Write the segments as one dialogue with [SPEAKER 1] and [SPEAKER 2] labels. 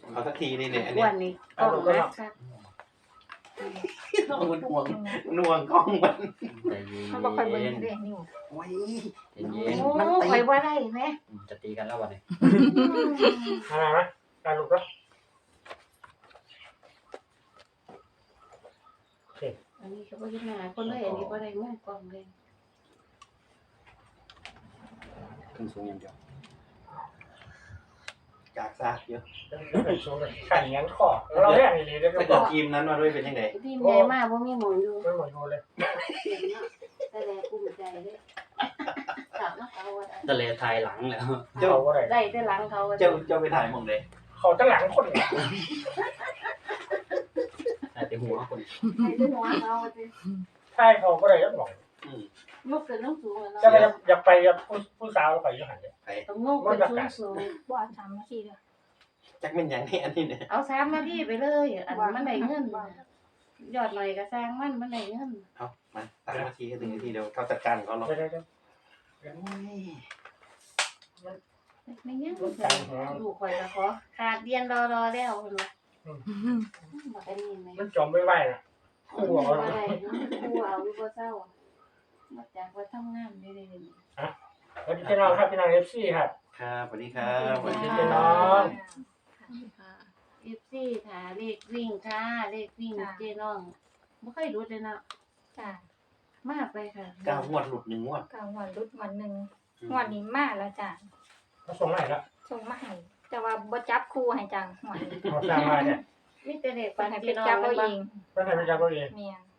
[SPEAKER 1] เอาสักทีนี่เนี่ยอัน
[SPEAKER 2] อ้
[SPEAKER 1] เนี้
[SPEAKER 2] วย นนี่กล้องนักครับ
[SPEAKER 1] น้องมันห่วงกล้องมัน
[SPEAKER 3] ใจเย็น
[SPEAKER 2] เขาบอกคอยเบิ่งเด้นิ้ว
[SPEAKER 1] โอ้ย
[SPEAKER 3] ใจเย็น
[SPEAKER 2] โอ้คอยบ่ได้แม่
[SPEAKER 3] จะตีกันแล้ววันนี้
[SPEAKER 4] อะไรนะการลุกแล้ว
[SPEAKER 2] อันนี้ก็บ่เฮ็ดหน้าคนเลยอันนี้บ่ได้มือกล้องเลย
[SPEAKER 3] ขึ้นสูงอย่างเดียว
[SPEAKER 1] จากซากเยอะ
[SPEAKER 4] แล้วเป็นช่วงขันยันคอเราแรกนี่เลยได้
[SPEAKER 1] ถ้า
[SPEAKER 4] ก็
[SPEAKER 1] เกิดทีมนั้นมาด้วยเป็นยังไง
[SPEAKER 2] ทีมใหญ่มากบ่มีหมองอยู่
[SPEAKER 4] ไม่หมดเลย
[SPEAKER 2] เสียงเนาะแต่แลภูมิใจเด้ถามว่าเขาว่าได้
[SPEAKER 3] ทะเลทายหลังแล้ว
[SPEAKER 4] เขาก็ได้
[SPEAKER 2] ได้แต่หลังเขาว่า
[SPEAKER 1] เจ้าไปถ่ายหมองเลย
[SPEAKER 4] เขาตั้งหลังคน
[SPEAKER 3] แต่ตีหัวคน
[SPEAKER 2] ได้แต่หัวเขาว่าสิ
[SPEAKER 4] ใช่เขาก็ได้ยัดหมอง
[SPEAKER 2] ยกขึ้นสูงๆแล้ว
[SPEAKER 4] จะ
[SPEAKER 2] เนาะ
[SPEAKER 4] ไปอยากไปผู้สาวเราไปอยู่หันเลย
[SPEAKER 2] ต้องงกขึ้นสูง
[SPEAKER 5] บ่เอา3นาทีเด้อ
[SPEAKER 1] จักเป็นอย่างนี้อันนี้เนี่ย
[SPEAKER 2] ๆเอา3นาทีไปเลยอันมันได้เงินยอดหน่อยก็สร้างมันได้เงิน
[SPEAKER 1] เอามา3 นาทีก็ถึงนาทีเดียวเขาจัดการเขาหรอก
[SPEAKER 4] ได้
[SPEAKER 1] โอ้ย
[SPEAKER 2] ไม่เงี้ยลูกข่อยก็ขอขาดเรียนรอแล้วเพิ่นว่าบ่ได้ยินไหม
[SPEAKER 4] มันจมไม่ไหวนะ
[SPEAKER 2] คู่เอาได้คู่เอาอยู่บ่เศร้ามาจากว่าทำงานได้
[SPEAKER 4] สวัสดีพี่น้องครับพี่น้องเอฟซีครับ
[SPEAKER 1] ครับสวัสดีครับ
[SPEAKER 4] สวัสดีพี่น้อง
[SPEAKER 2] FC ถ้าเลขวิ่งค่ะเลขวิ่งเจ๊น้องบ่ค่อยรู้เลยเนาะ
[SPEAKER 5] จ้ะ
[SPEAKER 2] มาไปค่ะ
[SPEAKER 1] 9 งวดหลุด1 งวด
[SPEAKER 5] ก็วันรุดวันหนึงวันนี้มาแล้วจ้ะ
[SPEAKER 4] เขาส่งมาแล้ว
[SPEAKER 5] ส่งมาให้แต่ว่าบ่จับคู่ให้จังหวย
[SPEAKER 4] เขาสร้างมาเนี่ย
[SPEAKER 2] มีแต่เลข
[SPEAKER 5] เพิ่
[SPEAKER 2] ปั
[SPEAKER 5] น
[SPEAKER 2] น
[SPEAKER 5] ให้
[SPEAKER 2] เจ๊
[SPEAKER 5] เป็น
[SPEAKER 2] น้อง
[SPEAKER 5] จับเอา
[SPEAKER 2] บ่
[SPEAKER 5] เอง
[SPEAKER 4] เพื่อนไทยไปจับเราเอง
[SPEAKER 5] แม่น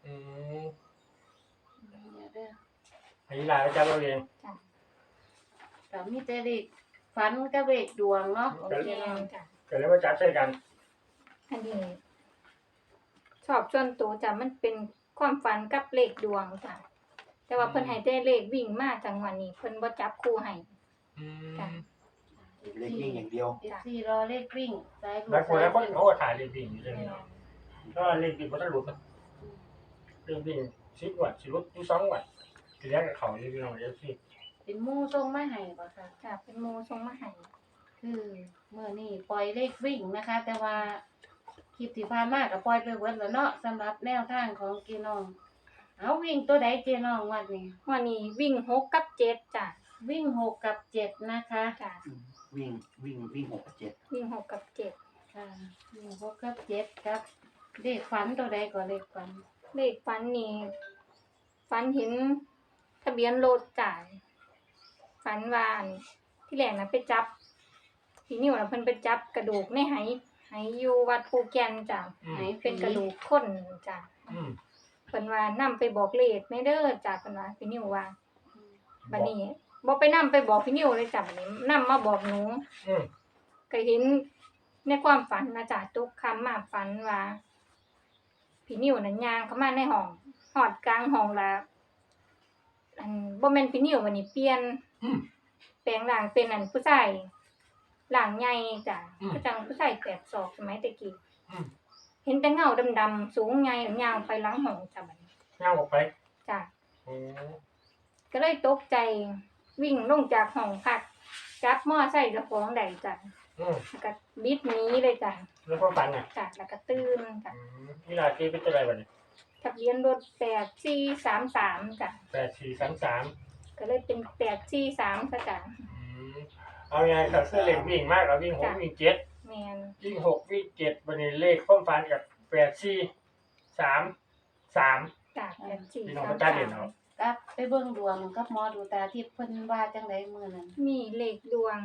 [SPEAKER 2] เด้อ
[SPEAKER 4] ไอ้ลายไปจับเราเอง
[SPEAKER 2] ก็มีแต่เลขฝันกับเลขดวงเนาะของเจ๊
[SPEAKER 5] แม่
[SPEAKER 2] น้อง
[SPEAKER 5] นจ้ะ
[SPEAKER 4] เกิดแล้วมาจับใส่กัน
[SPEAKER 5] อันนี้ชอบส่วนตัวจ้ะมันเป็นความฝันกับเลขดวงจ้ะแต่ว่าเพิ่นให้แต่เลขวิ่งมาจังหวะนี้เพิ่นบ่จับคู่ให้จ้ะ
[SPEAKER 1] เลขวิ่งอย่างเดียว
[SPEAKER 2] FC รอเลขวิ่งสาย
[SPEAKER 4] แล้วคน
[SPEAKER 2] สา
[SPEAKER 4] แล้
[SPEAKER 2] ยว
[SPEAKER 4] คน
[SPEAKER 2] วิ่ง
[SPEAKER 4] เขาก็ถ่ายเรื่องวิ่งอยู่เลย
[SPEAKER 5] แม่น
[SPEAKER 4] ก็เรื่องวิ่งมันต้องหลุดเรื่องวิ่ง10 วัตต์10 วัตต์2 วัตต์ทีแรกกับเขาเนี่ยพี่น้องเอฟซี
[SPEAKER 2] เป็นหมู่ส่งมาให้บ่ค่ะ
[SPEAKER 5] จ้ะเป็นหมู่ส่งมาให้
[SPEAKER 2] คือเมื่อนี้ปล่อยเลขวิ่งนะคะ แต่ว่าคลิปที่ผ่านมาก็ปล่อยไปเบิดแล้วเนาะสำหรับแนวทางของเจน้องเอาวิ่งตัวใดเจน้องวันนี้
[SPEAKER 5] วันนี้วิ่ง6กับ7จ้ะ
[SPEAKER 2] วิ่ง6กับ7นะคะ
[SPEAKER 5] จ้ะ
[SPEAKER 1] วิ่ง6 กับ 7
[SPEAKER 5] วิ่ง6กับ7
[SPEAKER 2] ค่ะวิ่ง6กับ7ครับเลขฝันตัวใดก็เลขฝัน
[SPEAKER 5] เลขฝันนี่ฝันเห็นทะเบียนรถจ่ายฝันว่าอันที่แรกนะไปจับพี่นิวนะเพิ่นไปจับกระดูกในไหอยู่วัดภูแก่นจ้ะไหเป็นกระดูกคนจ้ะเพิ่นว่านำไปบอกเลขแม่เด้อจ้ะเพิ่นว่าพี่นิวว่าบัดนี้บ่ไปนำไปบอกพี่นิวเลยจ้ะบัดนี้นำมาบอกหนูก็เห็นในความฝันนะจ้ะทุกคำมาฝันว่าพี่นิวน่ะย่างเข้ามาในห้องฮอดกลางห้องแล้วอันบ่แม่นพี่นิววันนี้เปลี่ยนแปลงร่างเป็นอันผู้ชายร่างใหญ่จ้ะคือจังผู้ชาย8ศอกสมัยตะกี้เห็นแต่เงาดำๆสูงใหญ่ยาวไปหลังห้องจ้ะบัดนี้
[SPEAKER 4] ย่างออกไป
[SPEAKER 5] จ้ะก็เลยตกใจวิ่งลงจากห้องพักจับมอไซค์เจ้าของได้จ้ะแล้วก็บิดหนีเลยจ้ะ
[SPEAKER 4] แล้วก็ฝันอ่ะ
[SPEAKER 5] จ้ะแล้วก็ตื่นจ้ะ
[SPEAKER 4] นี่ลาที่เป็นอะไรบ้าง
[SPEAKER 5] ทะเบียนรถ8433จ้ะ
[SPEAKER 4] 8433
[SPEAKER 5] ก็เลยเป็น843ซะจ้ะ
[SPEAKER 4] เอาไงกับเสื้อเหล็กวิ่งมากแล้ววิ่ง6วิ่ง7
[SPEAKER 5] แม่น
[SPEAKER 4] วิ่ง6วิ่ง7วันนี้เลขความฝันกับ8433
[SPEAKER 5] จ้ะ
[SPEAKER 4] พี่น้องก็จ้าเด่นเนาะ
[SPEAKER 2] กับไปเบิ่งดวงกับหมอดูตาทิพย์เพิ่นว่าจังไดมื้อนั้น
[SPEAKER 5] มีเลขดวง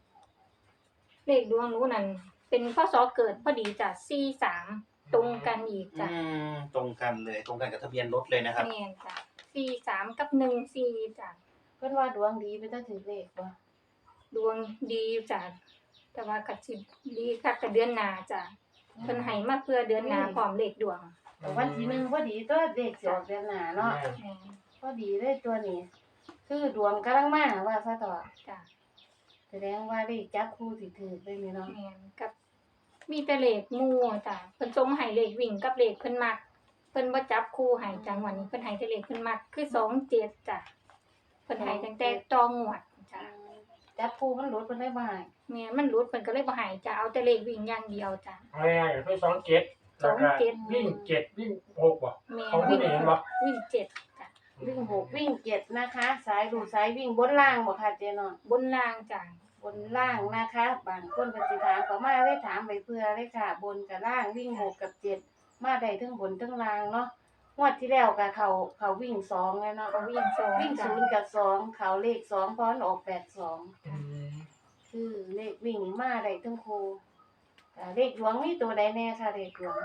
[SPEAKER 5] หนูนั่นเป็นพศเกิดพอดีจ้ะ43ตรงกันอีกจ้ะ
[SPEAKER 1] ตรงกันเลยตรงกันกับทะเบียนรถเลยนะครับ
[SPEAKER 5] แม่นจ้ะ43กับ14จ้ะ
[SPEAKER 2] เพิ่นว่าดวงดีไปตั้งถึงเลขบ่
[SPEAKER 5] ดวงดีจ้ะแต่ว่าก็สิดีคักกับเดือนหน้าจ้ะเพิ่นให้มาเพื่อเดือนหน้าพร้อมเลขดวง
[SPEAKER 2] แต่วันที่1พอดีตัวเลขสิออกเดือนหน้าเนาะ
[SPEAKER 5] แม่น
[SPEAKER 2] พอดีเลยตัวนี้ คือดวงกำลังมาว่าซะต่อ
[SPEAKER 5] จ้ะ
[SPEAKER 2] แสดงว่าเลขจับคู่สิถูกเลยนี่เนาะ
[SPEAKER 5] แม่นกับมีแต่เลขหมู่จ้ะเพิ่นส่งให้เลขวิ่งกับเลขเพิ่นมักเพิ่นบ่จับคู่ให้จังหวะนี้เพิ่นให้แต่เลขเพิ่นมักคือ27จ้ะเพิ่นให้ตั้งแต่ตองวดจ้ะ
[SPEAKER 2] จับคู่มันหลุดเพิ่นได้บ่ให้
[SPEAKER 5] แม่นมันหลุดเพิ่นก็เลยบ่ให้จ้ะเอาแต่เลขวิ่งอย่างเดียวจ้ะ
[SPEAKER 4] เอาง่ายๆคือ27แล้วก็
[SPEAKER 5] 27
[SPEAKER 4] วิ่ง7วิ่ง6บ่
[SPEAKER 5] แม่
[SPEAKER 4] ของผู้
[SPEAKER 5] วิ่ง
[SPEAKER 4] นี่เห็นบ่
[SPEAKER 5] วิ่ง7จ้ะ
[SPEAKER 2] วิ่ง6วิ่ง7นะคะ สายดูสายวิ่งบนล่างบ่ค่ะเจ๊น้อง
[SPEAKER 5] บนล่างจ้ะ
[SPEAKER 2] บนล่างนะคะ บางคนเพิ่นสิถามเขามาเลยถามไปเพื่อเลยค่ะ บนกับล่างวิ่ง6กับ7มาได้ทั้งบนทั้งล่างเนาะงวดที่แล้วก็เขาวิ่ง2แล้วเนาะ
[SPEAKER 5] ก็วิ่ง2
[SPEAKER 2] วิ่ง
[SPEAKER 5] จ้ะ
[SPEAKER 2] 0กับ2เขาเลข2เพราะมันออก82
[SPEAKER 4] อืม
[SPEAKER 2] คือเลขวิ่งมาได้ทั้งคู่เลขหลวงมีตัวใดแน่ค่ะเลขหลวง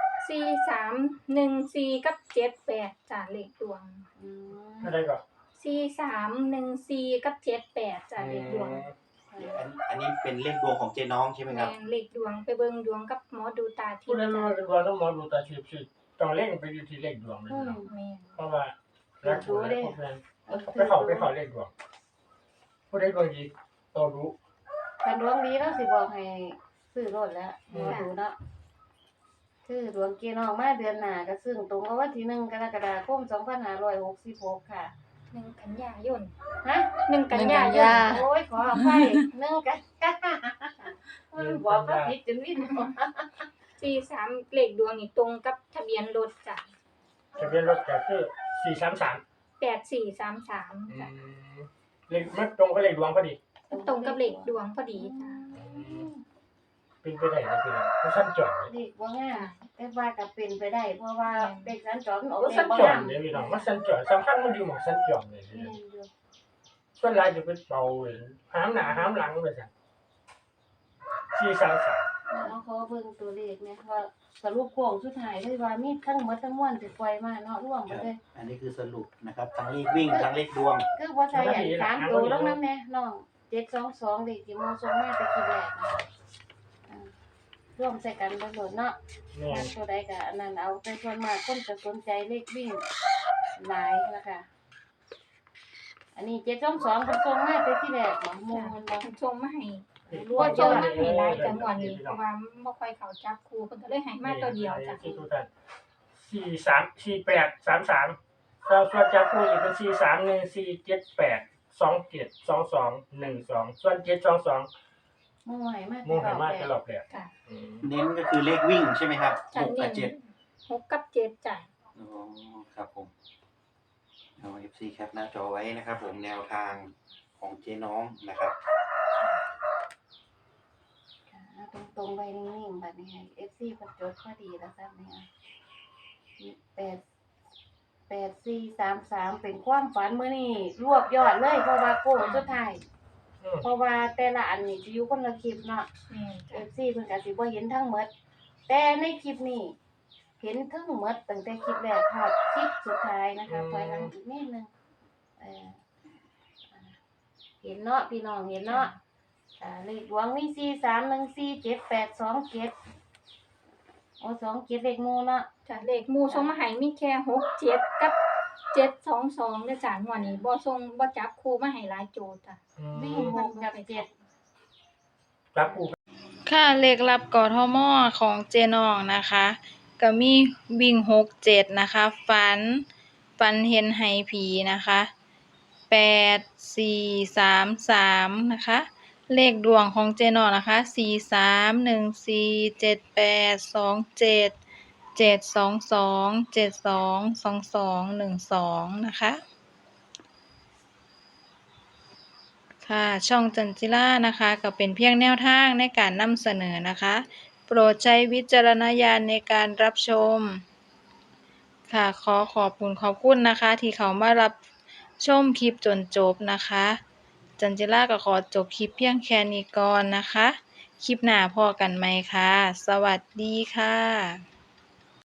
[SPEAKER 5] 4314กับ78จ้ะเลขดวง
[SPEAKER 2] อืม
[SPEAKER 4] อะไรก็
[SPEAKER 5] 4314กับ78จ้ะเลขดวง
[SPEAKER 1] อันนี้เป็นเลขดวงของเจ๊น้องใช่ไหมครับ
[SPEAKER 5] แม่นเลขดวงไปเบิ่งดวงกับหมอดูตาทิ
[SPEAKER 4] ผู้
[SPEAKER 5] พย์
[SPEAKER 4] ใด
[SPEAKER 5] จ้ะ
[SPEAKER 4] มาเป็นว่าต้องมองดูตาชีพสิต้องเล่งไปอยู่ที่เลขดวงเลย
[SPEAKER 2] อืม
[SPEAKER 4] เนาะ
[SPEAKER 5] แม่น
[SPEAKER 4] เพราะว่ารักผู้ใดพวกนั้นไปเข้าเลขดวงผู้ใดดวงดีต้องรู้
[SPEAKER 2] คันดวงดีเนาะสิบอกให้ซื้อรถแล้วหมอดูเนาะคือดวงเกณฑ์ออกมาเดือนหน้าก็ซึ่งตรงกับวันที่1กรกฎาคม2566ค่ะ
[SPEAKER 5] 1กันยายน
[SPEAKER 2] ฮะ
[SPEAKER 5] 1กันยายน
[SPEAKER 2] โอ้ยขออภัย1กันมันบอกว่าผิดจนวิ่น
[SPEAKER 5] 43เลขดวงนี่ตรงกับทะเบียนรถจ้ะ
[SPEAKER 4] ทะเบียนรถก็คือ433
[SPEAKER 5] 8433จ้ะ
[SPEAKER 4] เลขมันตรงกับเลขดวงพอดี
[SPEAKER 5] ตรงกับเลขดวงพอดีจ้ะ
[SPEAKER 4] เป็นไปได้นะพี่น้องมันสั้นจ่อย
[SPEAKER 2] เด็กว่างามแต่ว่าก็เป็นไปได้ เพราะว่าเด็กสัญจรมันออก
[SPEAKER 4] มัน
[SPEAKER 2] เอ
[SPEAKER 4] สั้
[SPEAKER 2] ง
[SPEAKER 4] น
[SPEAKER 2] บ่
[SPEAKER 4] จ่อย
[SPEAKER 2] งาม
[SPEAKER 4] เลยพี่น้องมันสั้นจ่อยสำคัญมันอยู่หมองสั้นจ่อยเลย
[SPEAKER 2] แม่นอยู่
[SPEAKER 4] ส่วนลายจะเป็นเบาเองห้ามหน้าห้ามหลังไปสั่น433
[SPEAKER 2] เอาขอเบิ่งตัวเลขเนี่ยว่าสรุปโค้งสุดท้ายเลยว่ามีทั้งหมดทั้งมวลที่ปล่อยมาเนาะรวมหมดเลย
[SPEAKER 1] อันนี้คือสรุปนะครับทั้งเลขวิ่งทั้งเลขดวง
[SPEAKER 2] คือบ่ใส่อัน3ตัวลงนำแน่น้อง722เลขที่หมอส่งมาแต่คลิปแรกนะคะร่วมใส่กันเบิ่งโดดเนาะ
[SPEAKER 4] แม่
[SPEAKER 2] มาน ตัวใดก็อันนั้นเอาแต่ส่วนมากคนจะสนใจเลขวิ่งหลายนะคะอันนี้722เพิ่นส่งมาแต่ที่แรกบ่หมู่มันบ่
[SPEAKER 5] ส่งมาให้
[SPEAKER 2] รว
[SPEAKER 5] บ่
[SPEAKER 2] ม
[SPEAKER 5] ส่
[SPEAKER 2] ย
[SPEAKER 5] ง
[SPEAKER 2] อด
[SPEAKER 5] มาให้หลายจังหวัดนี้เพราะว่าบ่ค่อยเข้าจับคู่เพิ่นก็เลยให้มาตัวเดียวจ้ะ
[SPEAKER 4] ที่ทุกท่าน4833ส่วนจับคู่นี่เป็น43147827212ส่วน722
[SPEAKER 2] หมู่ให้มา
[SPEAKER 4] โมงให้มากตลอดเลย
[SPEAKER 5] จ้ะ
[SPEAKER 1] เน้นก็คือเลขวิ่งใช่ไหมครับ
[SPEAKER 5] จ้ะ
[SPEAKER 1] 6กับ
[SPEAKER 5] 6กับ7จ้ะ
[SPEAKER 1] 7อ๋อครับผมเอา FC แคปหน้าจอไว้นะครับผมแนวทางของเจ๊น้องนะครับ
[SPEAKER 2] ตรงๆไว้นิ่งๆบัดนี้ให้ FC เพิ่นจดพอดีแล้วซับนี่8433เป็นความฝันมื้อนี้รวบยอดเลยเพราะว่าโค้งสุดท้ายเพราะว่าแต่ละอันนี่สิอยู่คนละคลิปเนาะ
[SPEAKER 5] แม่นจ้ะ
[SPEAKER 2] FC เพิ่นก็สิบ่เห็นทั้งหมดแต่ในคลิปนี้เห็นทั้งหมดตั้งแต่คลิปแรกฮอดคลิปสุดท้ายนะคะถอยหลังอีกนิดนึงเห็นเนาะพี่น้องเห็นเนาะเลขดวงมี4314782โอ้27เลขหมู่เนาะ
[SPEAKER 5] จ้ะเลขหมู่ส่งมาให้มีแค่67กับ722เด้อจ้ะงวดนี้บ่จับคู่มาให้หลายโจทย์จ้ะ
[SPEAKER 2] วิ่ง6กับ7
[SPEAKER 4] จับคู่
[SPEAKER 6] ค่ะเลขลับกทมของเจนองนะคะก็มีวิ่ง6 7นะคะฝันเห็นไหผีนะคะ8 4 3 3นะคะเลขดวงของเจนองนะคะ4 3 1 4 7 8 2 7 7 2 2 7 2 2 2 1 2นะคะค่ะช่องจันจิล่านะคะก็เป็นเพียงแนวทางในการนำเสนอนะคะโปรดใช้วิจารณญาณในการรับชมค่ะขอบคุณนะคะที่เขามารับชมคลิปจนจบนะคะจันจิล่าก็ขอจบคลิปเพียงแค่นี้ก่อนนะคะคลิปหน้าพอกันไหมคะสวัสดีค่ะ